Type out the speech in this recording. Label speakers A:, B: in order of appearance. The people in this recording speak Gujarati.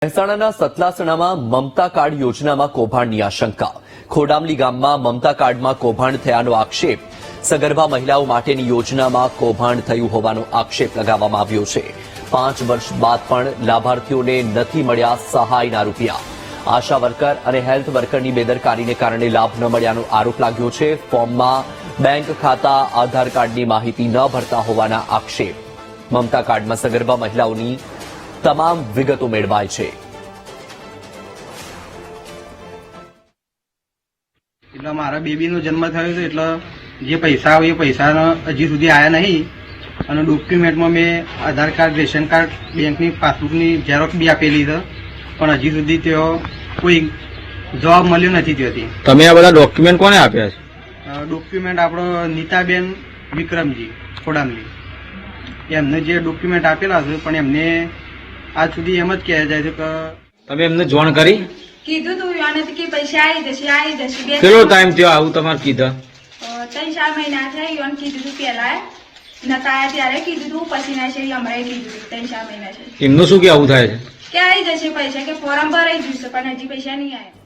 A: મહેસાણાના સતલાસણામાં મમતા કાર્ડ યોજનામાં કૌભાંડની આશંકા. ખોડામલી ગામમાં મમતા કાર્ડમાં કૌભાંડ થયાનો આક્ષેપ. સગર્ભા મહિલાઓ માટેની યોજનામાં કૌભાંડ થયું હોવાનો આક્ષેપ લગાવવામાં આવ્યો છે. 5 વર્ષ બાદ પણ લાભાર્થીઓને નથી મળ્યા સહાયના રૂપિયા. આશા વર્કર અને હેલ્થ વર્કરની બેદરકારીને કારણે લાભ ન મળ્યાનો આરોપ લાગ્યો છે. ફોર્મમાં બેંક ખાતા, આધાર કાર્ડની માહિતી ન ભરતા હોવાના આક્ષેપ. મમતા કાર્ડમાં સગર્ભા મહિલાઓની તમામ વિગતો મેળવાય છે.
B: એટલે મારા બેબીનો જન્મ થયો છે, એટલે જે પૈસા આવે એ પૈસા હજી સુધી આવ્યા નહીં. અને ડોક્યુમેન્ટમાં મેં આધાર કાર્ડ, રેશન કાર્ડ, બેંકની પાસબુકની ઝેરોક્સ બી આપેલી છે, પણ હજી સુધી તેઓ કોઈ જવાબ મળ્યો નથી ત્યાંથી.
C: તમે આ બધા ડોક્યુમેન્ટ કોને આપ્યા છે?
B: ડોક્યુમેન્ટ આપણો નીતાબેન વિક્રમજી ખોડામલી, એમને જે ડોક્યુમેન્ટ આપેલા છે, પણ એમને આજ સુધી એમ જ કહેવાય જાય છે કે
C: તમે એમને જોણ કરી?
D: કીધું તું એને કે પૈસા આવી જશે.
C: કેટલો ટાઈમ થયો આવું તમારે કીધા?
D: 3-4 મહિના થયા. યોન કીધું તું પેલા નતા આવ્યા ત્યારે કીધું તું, પછી ના છે હમણાં કીધું 3-4 મહિના છે.
C: એમનું શું કે આવું થાય છે
D: કે આવી જશે પૈસા, કે ફોર્મ ભરાઈ જશે, પણ હજી પૈસા નહીં આવ્યા.